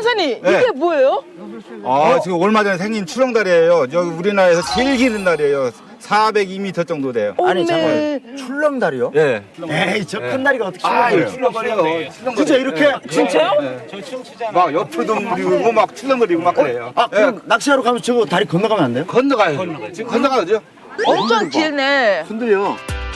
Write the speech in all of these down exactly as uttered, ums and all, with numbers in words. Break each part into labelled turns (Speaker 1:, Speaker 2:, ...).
Speaker 1: 강산이
Speaker 2: 네.
Speaker 1: 이게 뭐예요?
Speaker 2: 아, 지금 얼마 전에 생긴 출렁다리예요. 여기 우리나라에서 제일 긴 다리예요. 사백이 미터 정도 돼요.
Speaker 3: 아니
Speaker 1: 어메.
Speaker 3: 잠깐 출렁다리요?
Speaker 2: 예.
Speaker 3: 에이 저 큰 다리가 어떻게
Speaker 2: 아,
Speaker 3: 출렁거려요?
Speaker 2: 출렁거려요.
Speaker 3: 진짜 이렇게?
Speaker 1: 진짜요?
Speaker 2: 막 옆으로 둥그리고 막 출렁거리고 막 그래요.
Speaker 3: 아 그럼 낚시하러 가면 저거 다리 건너가면 안 돼요?
Speaker 2: 건너가요. 건너가요. 지금 건너가죠.
Speaker 1: 엄청 길네.
Speaker 3: 흔들려.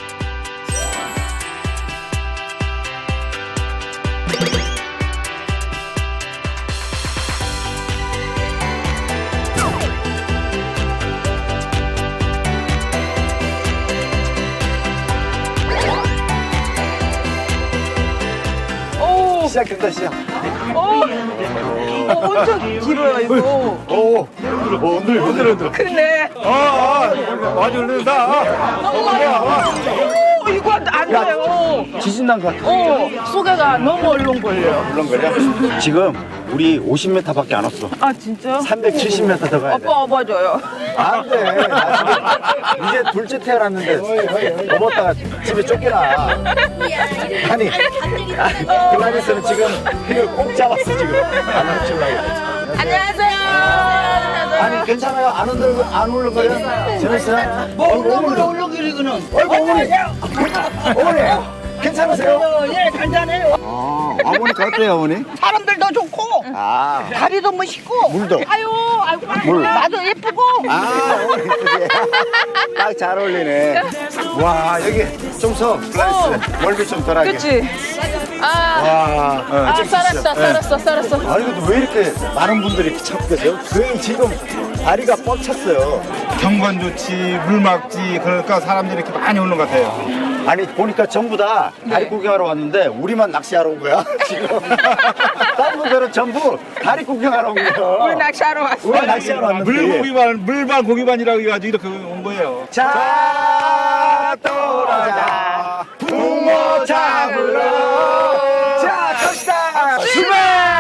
Speaker 1: 오,
Speaker 3: 시작된다 시작.
Speaker 1: 오, 어, 엄청 길어요 이거.
Speaker 3: 오, 오 흔들 흔들 흔들.
Speaker 1: 그러네.
Speaker 2: 아, 아, 많이 흐른다.
Speaker 1: 너무 많이. 오, 이거 안 돼요.
Speaker 3: 지진 난 것 같아.
Speaker 1: 어, 소개가 너무 얼렁거려요.
Speaker 3: 물렁거려? 지금 우리 오십 미터밖에 안 왔어.
Speaker 1: 아 진짜?
Speaker 3: 삼백칠십 미터 더 가야 돼.
Speaker 1: 오빠 업어줘요.
Speaker 3: 안 돼. 나 지금 이제 둘째 태어났는데 넘었다가 집에 쫓겨나. 아니, 그날에서는 지금 이걸 꼭 잡았어 지금. 안 놓치려고.
Speaker 1: 안녕하세요.
Speaker 3: 아니 괜찮아요? 안 흔들 안 울렁거려? 재밌어요? 뭐 울렁거려 울렁거리고는. 어이구 어머니. 어머니. 괜찮으세요?
Speaker 4: 예, 간단해요.
Speaker 3: 아, 아버니가 어때요 어머니?
Speaker 4: 사람들도 좋고,
Speaker 3: 아,
Speaker 4: 다리도 멋있고.
Speaker 3: 물도.
Speaker 4: 아유, 아이고,
Speaker 3: 물.
Speaker 4: 나도 예쁘고.
Speaker 3: 아, 어머니 예쁘지. 딱 잘 어울리네. 와 여기 좀 서. 플라이스. 멀리 좀 덜하게.
Speaker 1: 그치? 아,
Speaker 3: 와. 어,
Speaker 1: 아
Speaker 3: 좀
Speaker 1: 살았어,
Speaker 3: 주시죠.
Speaker 1: 살았어, 살았어.
Speaker 3: 아니 근데 왜 이렇게 많은 분들이 이렇게 찾고 계세요? 거의 지금 다리가 꽉 찼어요.
Speaker 2: 경관 좋지, 물 막지, 그러니까 사람들이 이렇게 많이 오는 것 같아요.
Speaker 3: 아니 보니까 전부 다 다리
Speaker 1: 네.
Speaker 3: 구경하러 왔는데 우리만 낚시하러 온 거야 지금. 다른 분들은 전부 다리 구경하러 온 거야.
Speaker 1: 우리 낚시하러 왔어.
Speaker 3: 우리 낚시하러 왔는데.
Speaker 2: 물고기반, 물반 고기반이라고 해가지고 이렇게 온 거예요.
Speaker 3: 자 떠나자 붕어 잡으러. 자 갑시다. 출발.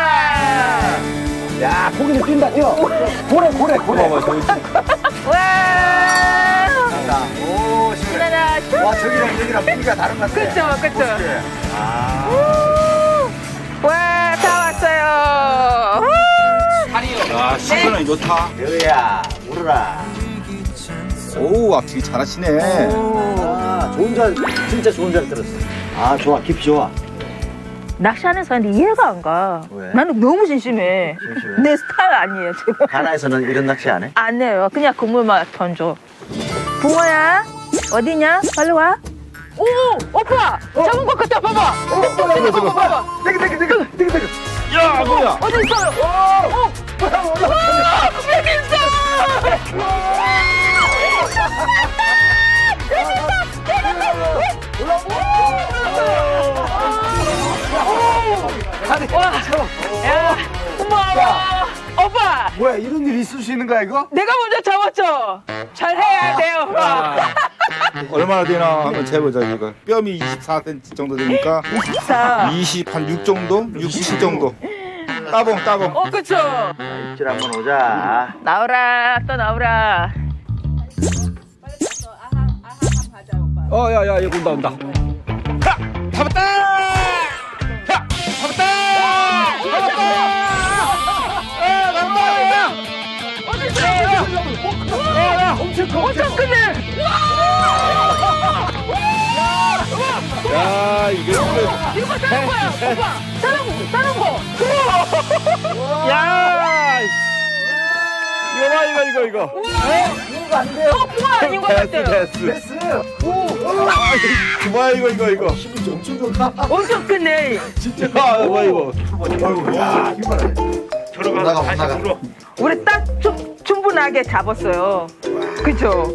Speaker 3: 야 고기는 뛴다 뛰어. 고래 고래 고래.
Speaker 1: 와,
Speaker 3: 자, 오 시원해.
Speaker 1: 신나라.
Speaker 3: 와 저기랑 여기랑 분위기가 다른 것 같아.
Speaker 1: 그쵸, 그쵸.
Speaker 3: 아.
Speaker 1: 와, 다 왔어요.
Speaker 2: 아, 시선은 좋다.
Speaker 3: 여야 울어라.
Speaker 2: 오, 앞치기 잘하시네.
Speaker 3: 아 좋은 잘 진짜 좋은 잘 들었어. 아 좋아 깊이 좋아.
Speaker 1: 낚시하는 사람이 이해가 안 가.
Speaker 3: 왜?
Speaker 1: 나는 너무 심심해.
Speaker 3: 심심해?
Speaker 1: 내 스타일 아니에요, 지금.
Speaker 3: 가나에서는 이런 낚시 안 해?
Speaker 1: 안 해요. 그냥 그물만 던져. 붕어야, 어디냐? 빨리 와. 오, 오빠! 잡은 것 같아, 봐봐!
Speaker 3: 어,
Speaker 1: 잡은 거 봐봐!
Speaker 3: 되게 되게 되게 되게 되게.
Speaker 2: 야, 뭐야?
Speaker 1: 어디 있어요? 오! 오! 와! 여기 있어! 와! 야! 고마워! 오빠!
Speaker 3: 뭐야 이런 일 있을 수 있는 거야 이거?
Speaker 1: 내가 먼저 잡았죠? 잘해야 돼요.
Speaker 2: 얼마나 되나 한번 재보자, 이거. 뼘이 이십사 센티미터 정도 되니까.
Speaker 1: 자,
Speaker 2: 이십, 한 육 정도? 육, 칠 정도. 따봉, 따봉.
Speaker 1: 어, 그쵸?
Speaker 3: 입질 한번 오자.
Speaker 1: 나오라, 또 나오라.
Speaker 5: 어, 야, 야, 이거 온다, 온다.
Speaker 2: 잡았다! 야! 잡았다! 잡았다! 아, 나온다!
Speaker 1: 어디 있어요?
Speaker 3: 엄청 커.
Speaker 1: 엄청 크네!
Speaker 5: 야, 이거.
Speaker 1: 이거 다른 거야, 오빠! 다른, 다른 거!
Speaker 5: 야! 이거 봐, 이거, 이거, 이거.
Speaker 3: 이거 안 돼요.
Speaker 1: 어, 붕어 아닌 것
Speaker 5: 됐어,
Speaker 1: 같아요.
Speaker 5: 됐어.
Speaker 3: 됐어.
Speaker 5: 뭐야, 이거, 이거, 이거.
Speaker 3: 힘이 엄청 좋다.
Speaker 1: 엄청 크네.
Speaker 5: 아, 뭐야, 이거.
Speaker 3: 야 힘을. 들어가 나가 나가.
Speaker 1: 우리 딱 충, 충분하게 잡았어요. 그죠?